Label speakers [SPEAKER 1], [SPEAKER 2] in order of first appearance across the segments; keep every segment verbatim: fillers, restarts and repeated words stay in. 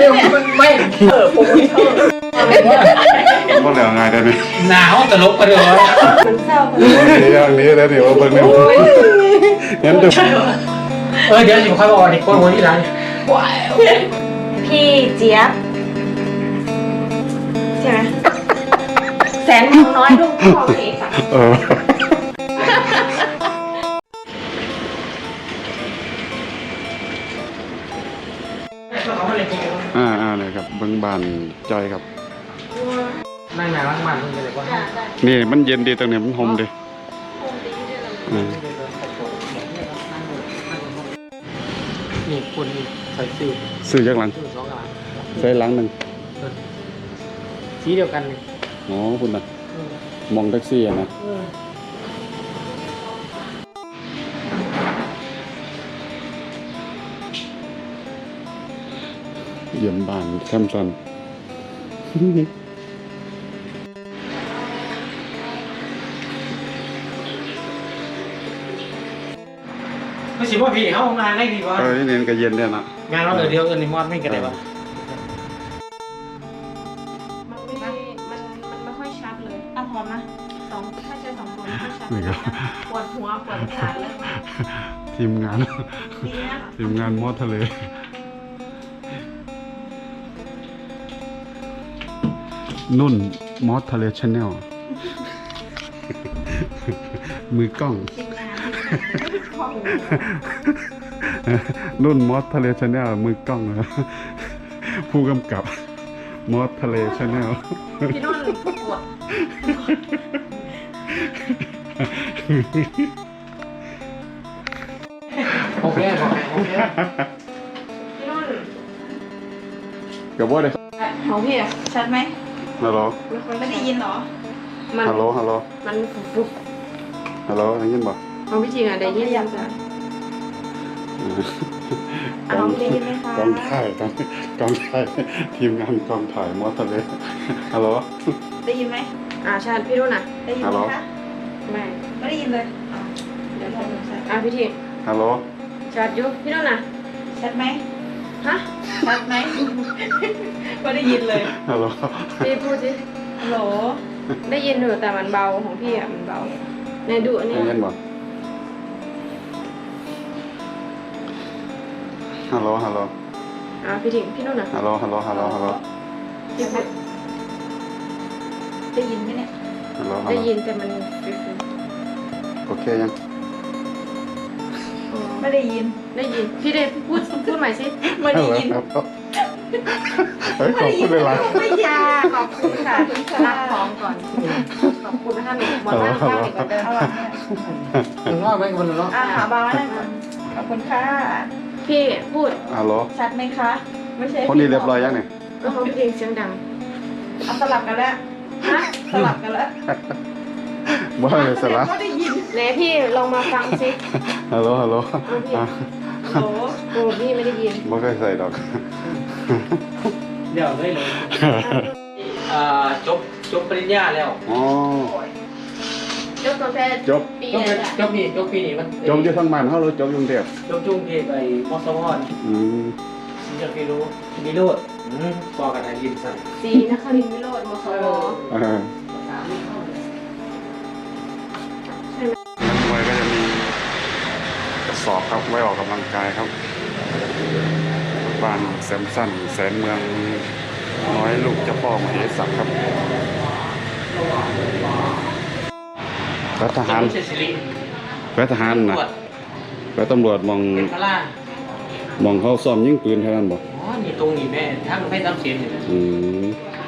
[SPEAKER 1] ไม่เออผมไม่เออ
[SPEAKER 2] ก็เหลือไงได้ไหม
[SPEAKER 1] หนาวตลกไปเลย
[SPEAKER 3] เศร้าคน
[SPEAKER 2] นี้อย่างนี้แล้วเดี๋ยวเบิ่งเนี่ยงั้นดู
[SPEAKER 1] เออเดี๋ยวสิค่อยบอกดิคนหัวที่ร้าน
[SPEAKER 3] พี่เจี๊ยบใช่ไหมแสนทองน้อยลูกพ่อเอกค่ะ
[SPEAKER 2] เอออ่าอ่าเลยครับเบิ่งบานจอยครับ
[SPEAKER 1] นั่งหนาล้างมันมึงจะเลยว่า
[SPEAKER 2] นี่มันเย็นดีตรงนี้มันหอมดี
[SPEAKER 1] นี่คนนี่ใส่ซื้อ
[SPEAKER 2] ซื้อจากหลัง
[SPEAKER 1] สองหลัง
[SPEAKER 2] ใส่หลังหนึ่ง
[SPEAKER 1] สีเดียวกันเลย
[SPEAKER 2] อ๋อคุณน่ะมองแท็กซี่อ่ะนะเยี่ยมบ้านแคมซัน
[SPEAKER 1] ไม่ใช่ว่าพี่เขางานได้ดีกว่า
[SPEAKER 2] เออนี่เน้นก็เย็นเนี่ยนะ
[SPEAKER 1] งานเราเดียวเออในมอดไม่กันได้ปะ
[SPEAKER 3] มันไม่มันมันไม่ค่อยชัดเลยอ่ะพร้อมนะสองถ้าใช้สองคนไม่ชัดปวดหัวปวดขาเลย
[SPEAKER 2] ทีมงานทีมงานมอดทะเลนุ่นมอสทะเลชาแนลมือกล้องนุ่นมอสทะเลชาแนลมือกล้องนะผู้กำกับมอสทะเลชาแนล
[SPEAKER 3] พี่นุ่นผู้กด
[SPEAKER 1] โอเคโอเค
[SPEAKER 3] พี่นุ่น
[SPEAKER 2] กับว่าเลย
[SPEAKER 3] ของพี่อะชัดไหม
[SPEAKER 2] ฮัลโหล
[SPEAKER 3] ไม่ได้ยินหรอ
[SPEAKER 2] ฮัลโหลฮัลโหล
[SPEAKER 3] มันฟุบ
[SPEAKER 2] ฮัลโหลได้ยินบ่
[SPEAKER 3] เอาพี่จริงอ่ะได้ยินยังจ้ะ
[SPEAKER 2] กองได้ยินไหมคะกองถ่ายกองกองถ่ายทีมงานกองถ่ายมอสทะเลฮัลโหล
[SPEAKER 3] ได้ยินไหมอ่าชัดพี่รุ่นอ่ะได้ยินไหมคะไม่ไม่ได้ยินเลยเดี๋ยวลองชัดอ่ะพี่ที
[SPEAKER 2] ฮัลโหล
[SPEAKER 3] ชัดอยู่พี่รุ่นอ่ะชัดไหมฮะชัดไหมไม่ได้ยินเลย
[SPEAKER 2] ฮัลโหล
[SPEAKER 3] พี่พูดสิฮัลโหลได้ยินอยู่แต่มันเบาของพี่อ่ะมันเบาในดูอันนี้
[SPEAKER 2] ได้ยินบ่ฮัลโหลฮัลโหล
[SPEAKER 3] อ่าพี่ถิงพี่นุ่นอ่ะ
[SPEAKER 2] ฮัลโหลฮัลโหลฮัลโหลฮัลโหล
[SPEAKER 3] พี่พูดได้ยินไหมเนี่ย
[SPEAKER 2] ฮัลโหล
[SPEAKER 3] ได้ยินแต่มัน
[SPEAKER 2] โอเคยัง
[SPEAKER 3] ไม่ได้ยินได้ยินพี่ได้พูดพูดใหม่สิไม่ได้ยิน
[SPEAKER 2] เฮ้ยขอบคุณเลยล่ะ
[SPEAKER 3] ไม่ยาขอบคุณค่ะรับของก่อนขอบคุณท่านหมดท่านข้าวอีกเดิม
[SPEAKER 1] หนึ่งรอบไหมคนละรอบ
[SPEAKER 3] อ่าหาบ้านขอบคุณค่ะพี่พูด
[SPEAKER 2] ฮัลโหล
[SPEAKER 3] ชัดไหมคะไม่ใช่
[SPEAKER 2] คนนี้เรียบร้อยยังเนี่ย
[SPEAKER 3] ก็เขาเพลงเสียงดังเอาสลับกันแล้วฮะสลับกันแล้ว
[SPEAKER 2] บ้าเลยสลับ
[SPEAKER 3] ไม่ได้ยินไหนพี่ลองมาฟังสิ
[SPEAKER 2] ฮัลโหลฮัลโหล
[SPEAKER 3] ฮัลโหลโอ้พี่ไม่ได้ยิน
[SPEAKER 2] ไม่เคยใส่ดอก
[SPEAKER 1] เดี๋ยวได้เลยอ่าจบจบปริญญาแล้ว
[SPEAKER 2] อ๋อ
[SPEAKER 3] จบตั้งแต่
[SPEAKER 2] จบ
[SPEAKER 1] ปีไหนจบปีจบปีนี้มัน
[SPEAKER 2] จบอยู่ทั้งบ้านเขาเลยจบยุ่งเดียว
[SPEAKER 1] จบจุงเทพไอ้มอสวอน
[SPEAKER 2] อืม
[SPEAKER 1] นี่จะไปรู้มีโลดอืมบอกกันนะยิมสั่ง
[SPEAKER 3] สีนครินทร์วิโรจน์มสว
[SPEAKER 2] อ่านักมวยก็จะมีกระสอบครับไว้ออกกำลังกายครับบ้านแซมสันแสนเมืองน้อยลูกเจ้าพ่อมเหสักครับรัฐทหารรัฐทหารนะรัฐตำรวจมองมองเขาซ้อมยิงปืนเท่านั้นบอก
[SPEAKER 1] อ๋อนี่ตรงนี้แม่ถ้ามันไม่ทำเสียงอยู่นะ
[SPEAKER 2] อืม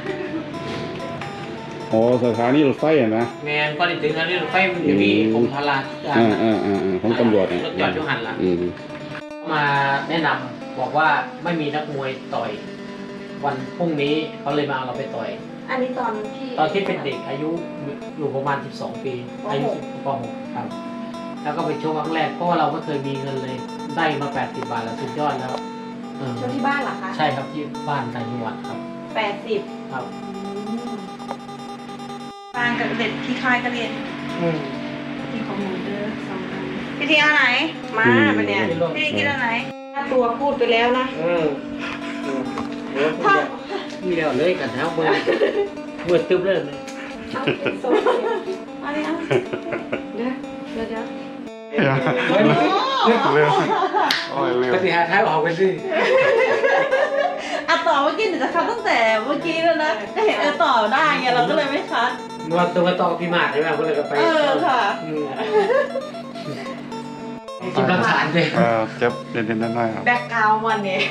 [SPEAKER 2] อ๋อสถานีรถไฟอ่ะนะ
[SPEAKER 1] แม่ก็ได้ถึงสถานีรถไฟมันจะมีกรมพลา
[SPEAKER 2] อ่าอ่าอ่าของตำรวจ
[SPEAKER 1] เนี่ยรถจอดอยู่หันหลังมาแนะนำบอกว่าไม่มีนักมวยต่อยวันพรุ่งนี้เขาเลยมาเอาเราไปต่อย
[SPEAKER 3] อันนี้ตอนที่
[SPEAKER 1] ตอนที่เป็นเด็กอายุอยู่ประมาณสิบสองปีอายุป .หก ครับแล้วก็ไปโชว์ครั้งแรกเพราะว่าเราไม่เคยมีเงินเลยได้มาแปดสิบบาทแล้วสุดยอดแล้ว
[SPEAKER 3] โชว์ที่บ้านเหรอคะ
[SPEAKER 1] ใช่ครับที่บ้านต่างจังหวัดครับ
[SPEAKER 3] แปดสิบ
[SPEAKER 1] ครับ
[SPEAKER 3] บ้านกับเด็กที่ค่ายก็เรียนที่ของมูเดอร์สองอันพี่ทีเอาไหนมาปะเนี่ยพี่ทีกินเอาไหนถ้าตัวพูดไปแล้วนะ
[SPEAKER 1] อืมถ้ามีแล้วเลยกันแล้วมือมือตึ๊บเลย
[SPEAKER 3] เอาโซ่อันนี้เอาเดี๋ยวเดี๋ยวเดี๋ยว
[SPEAKER 2] เร็วโอ้ยเร็ว
[SPEAKER 1] ปฏิหารท้ายออกไปสิ
[SPEAKER 4] อ่ะต่อเมื่อกี้เดี๋ยวจะคัดตั้งแต่เมื่อกี้แล้วนะก็เห็นเออต่อได้ไงเราก็เลยไม่คัด
[SPEAKER 1] นวดตัวต่อพี่มาดใช่ไหมก็เลยก็ไป
[SPEAKER 4] เออค่ะ
[SPEAKER 1] กินรังสารเลย
[SPEAKER 2] เออเจ็บเด่นๆน้อยๆครับ
[SPEAKER 3] แบ็คกราวด์มันเนี่ย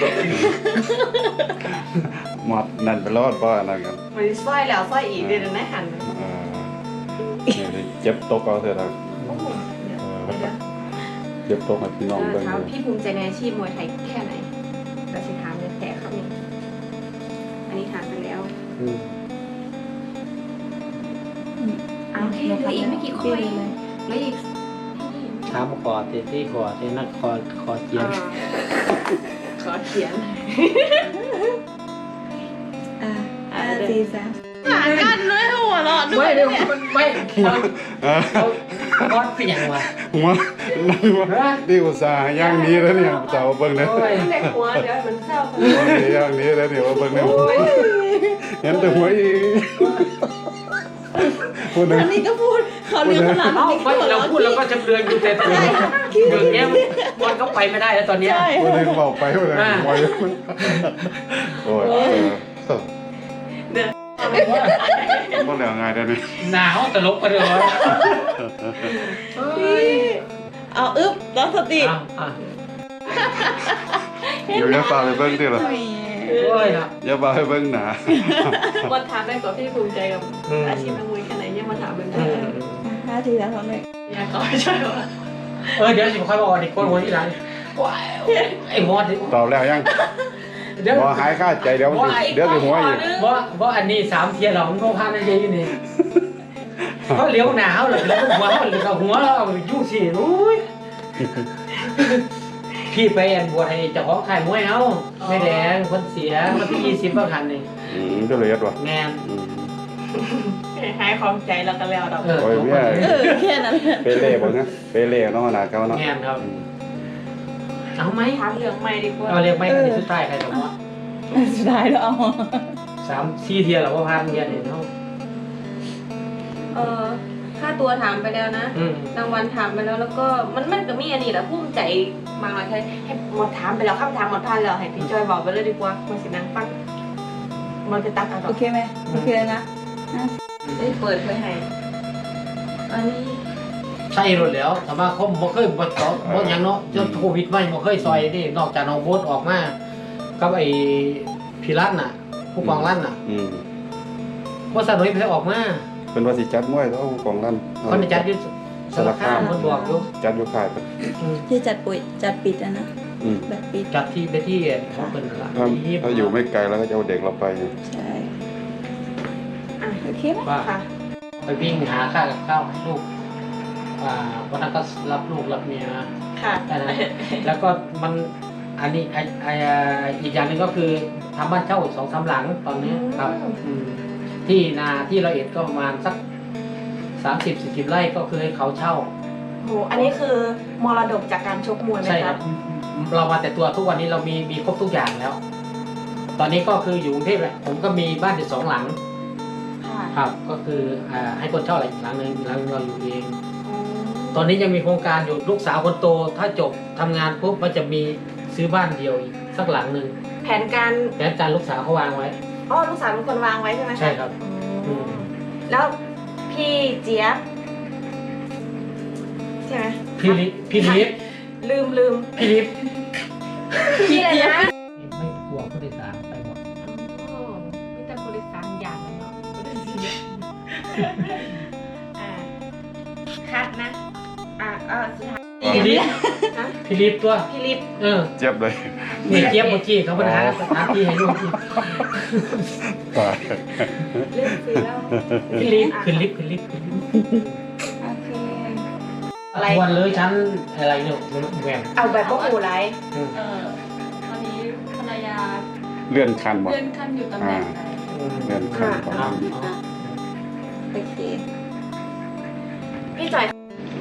[SPEAKER 2] หมดนั่นไปรอดเพราะอะไรกัน
[SPEAKER 3] มันสร้อยแล้วสร้อยอีกเดี๋ยวนะหันไป
[SPEAKER 2] เออนี่เจ็บตกเอาเถอะนะ
[SPEAKER 3] โอ้โหเดี๋ยวเดี๋ยว
[SPEAKER 2] เจ็บตกให้พี่น้องเบิ่ง
[SPEAKER 3] ถาม
[SPEAKER 2] ดู
[SPEAKER 3] พี่ภูมิใจในอาชีพมวยไทยแค่ไหนแต่สิถามเลยแต่ครับนี่อันนี้ถามไปแล้ว
[SPEAKER 1] อืม
[SPEAKER 3] เอาแค่เหลืออีกไม่กี่คนเหลืออีก
[SPEAKER 1] ถามคอเตที่คอเตนักคอคอเจียน
[SPEAKER 3] ขอเขียน
[SPEAKER 4] อ่าห้าสี่สามหากันเลยหัวเราะด้ว
[SPEAKER 1] ไม่
[SPEAKER 4] ย
[SPEAKER 1] เดี๋ยว
[SPEAKER 4] เนี่ย
[SPEAKER 1] มันไม่เรา
[SPEAKER 2] เออ
[SPEAKER 1] เราก้อนเปียงว่ะ
[SPEAKER 2] หัวนั่นว่าดีอุตส่าห์ย่างนี้แล้วเนี่ยสาวเบิ่งเลย
[SPEAKER 1] โอ้ย
[SPEAKER 3] ในหัวเดี๋ยวมันเศร้า
[SPEAKER 2] ย่างนี้แล้วเนี่ยว่าเบิ่งเลยเห็นแต่หัวอีพูดหนึ่ง
[SPEAKER 4] อันนี้ก็พูดเขาเรียกขนาด
[SPEAKER 1] เอ้า
[SPEAKER 4] นี้
[SPEAKER 1] ไม่เราพูดเราก็จำเรือนอยู่แต่ตัวเรื่องนี้มันก็ไปไม่ได้แล้วตอนเนี้ย
[SPEAKER 4] ใช่
[SPEAKER 2] พูดหนึ่งเบาไปพูดหนึ่งไวโอ้ยเออ
[SPEAKER 3] เดี๋ยว
[SPEAKER 2] บ่เหลือไงได้นี่
[SPEAKER 1] หนาวตลกกันเลย
[SPEAKER 4] เอาอึ๊บตั้งสติ
[SPEAKER 1] อ่ะอ่ะ
[SPEAKER 2] เดี๋ยวจะพาไปเบิ่งดิล่ะ
[SPEAKER 1] โอ้ยนะ
[SPEAKER 2] อย่าพาไปเบิ่งหนา
[SPEAKER 3] วันถามได้ก่อนพี่ภูมิใจกับ
[SPEAKER 1] อืม
[SPEAKER 3] อาชีพนักมวยแค่ไหนยังมาถามเป็น
[SPEAKER 1] อืม
[SPEAKER 4] ห้าสี่สามสองหนึ่ง
[SPEAKER 3] อยากขอใช่ไหม
[SPEAKER 1] เออเดี๋ยวสิค่อยบอกดิคนหัวที่หลังไอ้มอด
[SPEAKER 2] ตอบแล้วยัง
[SPEAKER 1] เดี๋ยว
[SPEAKER 2] บ่หายค่าใจเดี๋ยวเดี๋ยวสิหัวอีก
[SPEAKER 1] ว่าว่าอันนี้สามเทียร์เรามันก็พาในเยอะนี่เขาเลี้ยวหนาวเลยแล้วหัวเขาเลยกับหัวเรายุ่งสิอุ้ยพี่ไปแอนบวชให้เจ้าของขายมวยเขาไม่แดงคนเสียมาที่ยี่สิบประคันหนึ่ง
[SPEAKER 2] อืมก็เลยว่ะ
[SPEAKER 1] แมน
[SPEAKER 2] อืม
[SPEAKER 3] หายความใจแล้วก็แล้วดอก
[SPEAKER 1] เออ
[SPEAKER 2] โอ้ย
[SPEAKER 1] ทุก
[SPEAKER 2] เมี
[SPEAKER 1] ค
[SPEAKER 2] ย
[SPEAKER 1] น
[SPEAKER 4] เออแค่นั้น
[SPEAKER 2] เปเล่บ่นะเปเล่เนาะน่ะเก่าเนาะ
[SPEAKER 1] แมนครับ
[SPEAKER 2] อืม
[SPEAKER 1] เอาไหม
[SPEAKER 3] ถามเรื่องใหม่ดีกว่า
[SPEAKER 1] เอาเรียกไหมอันนี้สุดท้ายใครสมมติ
[SPEAKER 4] สุดท้ายแล้วเอา
[SPEAKER 1] สามสี่เทียร์เราก็พาเทียร์เนี่ยเนาะ
[SPEAKER 3] เออค่าตัวถามไปแล้วนะ
[SPEAKER 1] อืม
[SPEAKER 3] รางวัลถามไปแล้วแล้วก็มันมันก็มีอันนี้แหละภูมิใจมากเลยให้ให้หมดถามไปแล้วคำถามหมดพันแล้วให้พี่จอยบอกไปเลยดีกว่ามาสินางฟังมันจะตัดเอาด
[SPEAKER 4] โอ
[SPEAKER 3] อก
[SPEAKER 4] เคไหมโอเคแล้วนะห้า
[SPEAKER 3] ได้เปิดเผยให้อันนี้
[SPEAKER 1] ใช่รถแล้วสมาคมบ่เคยบ่ต่อบ่หยังเนาะจนโควิดไม่บ่เคยซอยนี่นอกจากน้องโบ๊ทออกมากับไอ้พี่รัตน์น่ะ ผู้กองรัตน์น่ะ
[SPEAKER 2] อืม
[SPEAKER 1] บ่สนุยไปออกมา
[SPEAKER 2] เป็นว่าสิจัดมวยเท่าของลั่น
[SPEAKER 1] คนจัดอยู่สารคามคนบอกอยู่
[SPEAKER 2] จัดอยู่ค่ายเพิ่น
[SPEAKER 1] อืม
[SPEAKER 4] ที่จัดปุ๋ยจัดปิดอะนะ
[SPEAKER 2] อืม
[SPEAKER 4] แบบปิด
[SPEAKER 1] จัดที่ไปที่ของเพิ่นนั่นล่ะ
[SPEAKER 2] ถ้า
[SPEAKER 1] ที่
[SPEAKER 2] ถ้าอยู่ไม่ไกลแล้วก็จะเอาเด็กเราไปอยู่
[SPEAKER 4] ใช่
[SPEAKER 3] อ่ะ
[SPEAKER 4] โอเคไหม
[SPEAKER 1] ว่า
[SPEAKER 3] ค่ะ
[SPEAKER 1] ไปวิ่งหาข้าวกับข้าวให้ลูกอ่าวันนั้นก็รับลูกรับเมียมา
[SPEAKER 3] ค่ะ
[SPEAKER 1] แค่นั้นแล้วก็มันอันนี้ไอไออีกอย่างหนึงก็คือทำบ้านเช่าสองสามหลังตอนนี้ครับอืมที่นาที่เราเอ็ดก็ประมาณสักสามสิบสี่สิบไร่ก็คือให้เขาเช่า
[SPEAKER 3] โหอันนี้คือมรดกจากการชกมวยไหม
[SPEAKER 1] ใช่ค
[SPEAKER 3] คะ
[SPEAKER 1] รับเรามาแต่ตัวทุกวันนี้เรามีมีครบทุกอย่างแล้ว ตอนนี้ก็คืออยู่กรุงเทพแหละผมก็มีบ้านอยู่สองหลัง
[SPEAKER 3] ค่ะ
[SPEAKER 1] ครับ ก็คืออ่าให้คนเช่าอะไรอีกหลังหนึงอีกหลังหนึงเราอยู่เอง
[SPEAKER 3] อืม
[SPEAKER 1] ตอนนี้ยังมีโครงการอยู่ลูกสาวคนโต ถ้าจบทำงานปุ๊บมันจะมีซื้อบ้านเดียวอีกสักหลังหนึ่ง
[SPEAKER 3] แผนการ
[SPEAKER 1] แผนการลูกสาวเขาวางไว้
[SPEAKER 3] อ๋อลูกสาวเป็นคนวางไว้ใช่ไหมะ
[SPEAKER 1] ใช่ครับ
[SPEAKER 3] อืมแล้วพี่เจี๊ยบใช่ไหม
[SPEAKER 1] พี่ลิฟพี่ลิฟ
[SPEAKER 3] ลืมลืม
[SPEAKER 1] พี่ลิฟ
[SPEAKER 3] พี่อะไรนะ
[SPEAKER 1] ไม่กลัวผู้โดยสารไปหมด
[SPEAKER 3] โอ้มีแต่บริษัทอย่างนั้นเนาะบริษัทอ่าคัดนะ อ่าอ่าสุดท้าย
[SPEAKER 1] พี่ลิฟ
[SPEAKER 3] ฮะ
[SPEAKER 1] พี่ลิฟตัว
[SPEAKER 3] พี่ลิฟ
[SPEAKER 1] เออ
[SPEAKER 2] เจ็บเลย
[SPEAKER 1] นี่เจี๊ยบเมื่อกี้เขาไปหาสถานที่ให้ลูก
[SPEAKER 2] ตาย
[SPEAKER 3] เรื่องซื้อแล้ว
[SPEAKER 1] พี่ลิฟขึ้นลิฟต์ขึ้นลิฟต์ขึ้นลิฟต์
[SPEAKER 4] โอเค
[SPEAKER 3] อะไร
[SPEAKER 1] วันเลยชั้นอะไรเนี่ยแหวน
[SPEAKER 3] เอาแบบพวกหูไร
[SPEAKER 1] อืม
[SPEAKER 5] เออตอนนี้ภรรยา
[SPEAKER 2] เลื่อนคันบ่
[SPEAKER 5] เลื่อนขั้นอยู่ตำแหน่งไหน
[SPEAKER 1] อืม
[SPEAKER 2] เลื่อนคันบ่
[SPEAKER 1] อ่า
[SPEAKER 4] โอเค
[SPEAKER 3] พี่จ่อย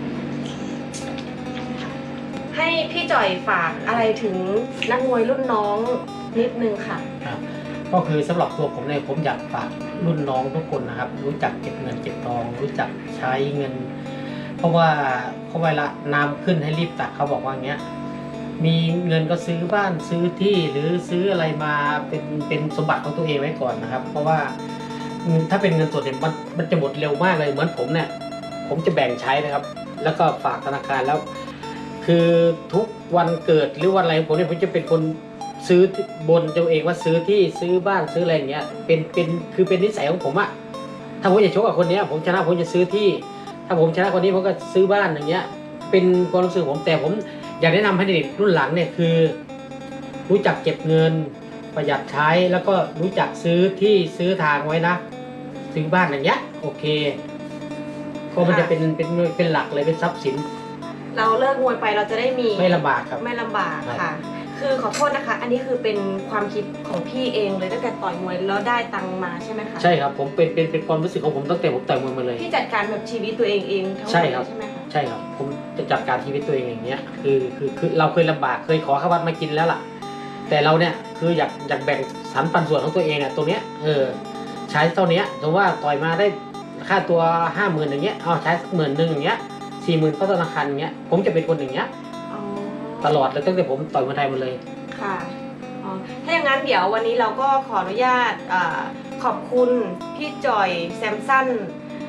[SPEAKER 3] ให้พี่จ่อยฝากอะไรถึงนักมวยรุ่นน้องนิดนึงค่ะ
[SPEAKER 1] ครับก็คือสำหรับตัวผมเนี่ยผมอยากฝากรุ่นน้องทุกคนนะครับ รู้จักเก็บเงินเก็บทอง รู้จักใช้เงิน เพราะว่าเขาเวลาน้ำขึ้นให้รีบตักเขาบอกว่าอย่างเงี้ยมีเงินก็ซื้อบ้านซื้อที่หรือซื้ออะไรมาเป็นเป็นสมบัติของตัวเองไว้ก่อนนะครับ เพราะว่าถ้าเป็นเงินสดเนี่ยมันมันจะหมดเร็วมากเลยเหมือนผมเนี่ยผมจะแบ่งใช้นะครับ แล้วก็ฝากธนาคารแล้ว คือทุกวันเกิดหรือวันอะไรผมเนี่ยผมจะเป็นคนซื้อบนตัวเองว่าซื้อที่ซื้อบ้านซื้ออะไรอย่างเงี้ยเป็นเป็นคือเป็นนิสัยของผมอะถ้าผมจะชกกับคนเนี้ยผมชนะผมจะซื้อที่ ถ้าผมชนะคนนี้ผมก็ซื้อบ้านอย่างเงี้ยเป็นความรู้สึกผมแต่ผมอยากแนะนำให้เด็กรุ่นหลังเนี่ยคือ รู้จักเก็บเงินประหยัดใช้แล้วก็รู้จักซื้อที่ซื้อทางไว้นะซื้อบ้านอย่างเงี้ยโอเคก็มันจะเป็นเป็นเป็นหลักเลยเป็นทรัพย์สิน
[SPEAKER 3] เราเลิกมวยไปเราจะได้มี
[SPEAKER 1] ไม่ลำบากครับ
[SPEAKER 3] ไม่ลำบาก
[SPEAKER 1] ครั
[SPEAKER 3] ค่ะ
[SPEAKER 1] บ
[SPEAKER 3] คือขอโทษนะคะ อันนี้คือเป็นความคิดของพี่เองเลยตั้งแต่ต่อยมวยแล้วได้ตังค์มาใช่ไหมคะ
[SPEAKER 1] ใช่ครับผมเป็นเป็นเป็นความรู้สึกของผมตั้งแต่ผมต่อยมวยมาเลย
[SPEAKER 3] พี่จัดการแบบชีวิตตัวเองเองทั้งหมด
[SPEAKER 1] ใช่ครับ
[SPEAKER 3] ใช่ไหมคะ
[SPEAKER 1] ใช่ครับผมจะจัดการชีวิตตัวเองอย่างเงี้ยคือคือคือเราเคยลำบากเคยขอข้าววัดมากินแล้วล่ะ แต่เราเนี่ยคืออยากอยากแบ่งสรรปันส่วนของตัวเองอ่ะตรงเนี้ยเออใช้เท่านี้สมมติว่าต่อยมาได้ค่าตัวห้าหมื่นอย่างเงี้ยเอาใช้สักหมื่นหนึ่งอย่างเงี้ยสี่หมื่นเข้าธนาคารอย่างเงี้ยผมจะเป็นคนอย่างเงี้ย
[SPEAKER 3] อ๋อ
[SPEAKER 1] ตลอดเลยตั้งแต่ผมต่อยมวยไทยมาเลย
[SPEAKER 3] ค่ะอ๋อถ้าอย่างนั้นเดี๋ยววันนี้เราก็ขออนุญาตอ่าขอบคุณพี่จอยแซมสัน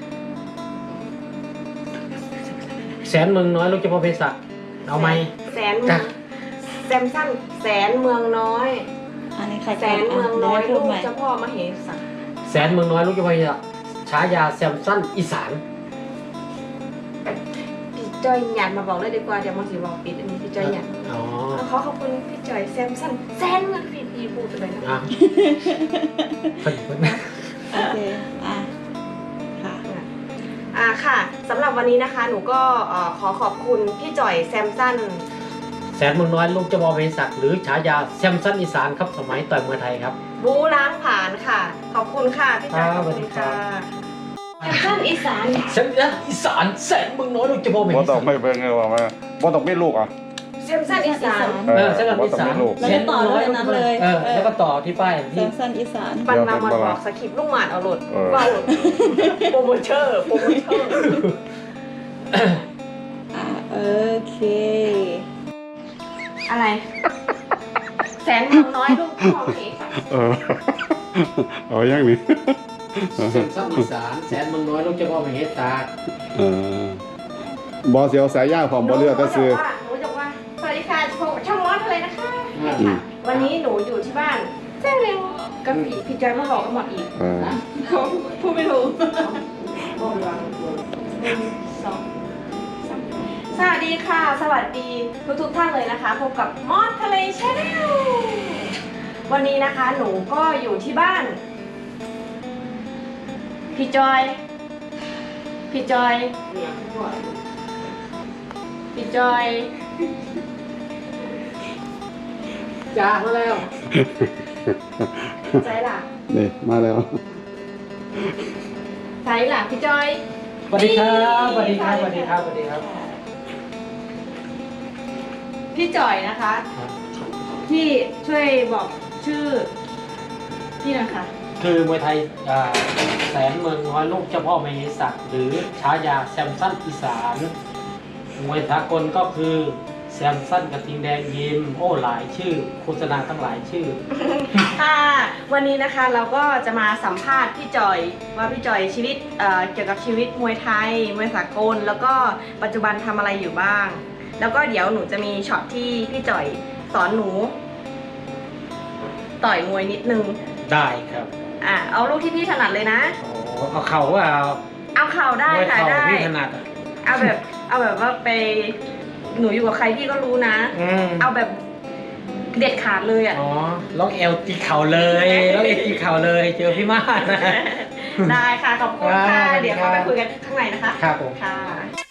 [SPEAKER 1] แสนเมืองน้อยลูกเจ้าพ่อเพชรศักดิ์เอาไหม
[SPEAKER 3] แสนเมืองแซมสันแสนเมืองน้อย
[SPEAKER 4] อันนี้ใคร
[SPEAKER 3] แสนเมืองน้อย
[SPEAKER 4] พู
[SPEAKER 3] ลู
[SPEAKER 4] ด
[SPEAKER 3] ก
[SPEAKER 4] ใหม่
[SPEAKER 3] เจ้าพ่อมเหสัก
[SPEAKER 1] แสนเมืองน้อยลูกเจ้าพ่อเพชรศักดิ์ฉายาแซมสันอีสาน
[SPEAKER 3] พี่จอยหยัดมาบอกเลยดีกว่าเดี๋ยวมาสิบอกปิดอันนี้พี่จอยหยัด
[SPEAKER 1] อ๋อ
[SPEAKER 3] เขาขอบคุณพี่จอยแซมสันแซนเมืองพี่พี่พูดไปเลยนะ
[SPEAKER 1] อ่ะเพิ่นเพิ่น
[SPEAKER 4] โอเคอ่ะค่ะ
[SPEAKER 3] อ่าค่ะสำหรับวันนี้นะคะหนูก็เอ่อขอขอบคุณพี่จอยแซมสัน
[SPEAKER 1] แสนเมืองน้อยลูกเจ้าพ่อเพชรศักดิ์หรือฉายาแซมสันอีสานครับสมัยต่อยมวยไทยครับ
[SPEAKER 3] บูล้างผ่านค่ะ ขอบคุณค่ะพี่จอย
[SPEAKER 1] ค
[SPEAKER 3] ข
[SPEAKER 1] รับ
[SPEAKER 3] อบคุณค่ะ
[SPEAKER 1] สวัสดีครับ
[SPEAKER 3] แซมสันอีสาน
[SPEAKER 1] แซมสันอีสานแสนเมืองน้อยลูกเจ้าพ่อเพชร
[SPEAKER 2] บ่
[SPEAKER 1] ศั
[SPEAKER 2] ต้อก ง
[SPEAKER 1] ดิ์
[SPEAKER 2] ไม่เบิ่งเลยว่าว่าบ่ต้องมีลูกอ่ะ
[SPEAKER 3] แซมสันอีสาน
[SPEAKER 1] เออแซมสัน
[SPEAKER 2] บ่
[SPEAKER 1] อี
[SPEAKER 2] ต้อง
[SPEAKER 1] สาน
[SPEAKER 2] มีลูก
[SPEAKER 4] แล้วก็ต่อด้วยอันนั้นเลย
[SPEAKER 1] เออแล้วก็ต่อที่ป้าย
[SPEAKER 4] แซ
[SPEAKER 1] ที่
[SPEAKER 4] มสันอีสาน
[SPEAKER 3] ปันมาหมดบอกสคริปต์ลูกหมาดเอาโหลด
[SPEAKER 2] เออ
[SPEAKER 3] ว่าโหลดโปรโมเตอร์โปรโมเตอร์
[SPEAKER 4] อ่ะโอเค
[SPEAKER 3] อะไร แสนเมืองน้อยลูกพ่อเพชร
[SPEAKER 2] เออเอาอย่างนี้
[SPEAKER 1] แซมสันอีสานแสนเมืองน้อยลูกเจ้าพ่อเพชรศักดิ์
[SPEAKER 2] เออบ่เสียวสายยาวพร้อมบ่เลือกก็ซื้อ
[SPEAKER 3] หนูจะว่าสวัสดีค่ะพบกับช่องร้อนอะไรนะคะ
[SPEAKER 2] อืม
[SPEAKER 3] วันนี้หนูอยู่ที่บ้านแจ้งเร็วกับพี่พี่จอยมาบอกกันหมดอีก
[SPEAKER 2] เออ
[SPEAKER 4] พูดไม่ถูก
[SPEAKER 3] หนึ่งสองสามสวัสดีค่ะ สวัสดีทุกทุกๆท่านเลยนะคะพบกับมอสทะเลชาแนลวันนี้นะคะหนูก็อยู่ที่บ้าน พี่จอย พี่จอย พี่จอย
[SPEAKER 1] จ้ามาแล้ว
[SPEAKER 3] ใจล่ะ
[SPEAKER 2] นี่มาแล้ว
[SPEAKER 3] ใจล่ะพี่จอย
[SPEAKER 1] สวัสดีครับสวัสดีครับสวัสดีครับสวัสดีครับ
[SPEAKER 3] พี่จอยนะคะ พี่ช่วยบอกชื่อพี่หนะคะ
[SPEAKER 1] คือมวยไทยอ่าแสนเมืองน้อยลูกเจ้าพ่อมเหศักดิ์หรือฉายาแซมสันอีสานมวยสากลก็คือแซมสันกระทิงแดงยิมโอ้หลายชื่อโฆษณาทั้งหลายชื่อ
[SPEAKER 3] ค่ะวันนี้นะคะเราก็จะมาสัมภาษณ์พี่จอยว่าพี่จอยชีวิตเอ่อเกี่ยวกับชีวิตมวยไทยมวยสากลแล้วก็ปัจจุบันทำอะไรอยู่บ้าง แล้วก็เดี๋ยวหนูจะมีช็อตที่พี่จอยสอนหนู ต่อยมวยนิดนึง
[SPEAKER 1] ได้ครับ
[SPEAKER 3] อ่ะเอาลูกที่พี่ถนัดเลยนะ
[SPEAKER 1] โอ้เอาเข่าว่าเอา
[SPEAKER 3] เอาเข่าได้
[SPEAKER 1] มวย
[SPEAKER 3] ค่ะ
[SPEAKER 1] เข่า
[SPEAKER 3] ได้
[SPEAKER 1] พี่ถนัดอ่ะ
[SPEAKER 3] เอาแบบเอาแบบว่าไปหนูอยู่กับใครพี่ก็รู้นะ
[SPEAKER 1] อืม
[SPEAKER 3] เอาแบบเด็ดขาดเลยอ่ะ
[SPEAKER 1] อ๋อล็อกเอลตีเข่าเลยล็อกเอลตีเข่าเลยเจอพี่มาศนะ
[SPEAKER 3] ได้ค่ะขอบคุณค่ะ
[SPEAKER 1] ครับ
[SPEAKER 3] เดี๋ยวเข้าไปคุยกันข้างในนะคะ
[SPEAKER 1] ครับผม
[SPEAKER 3] ค่ะ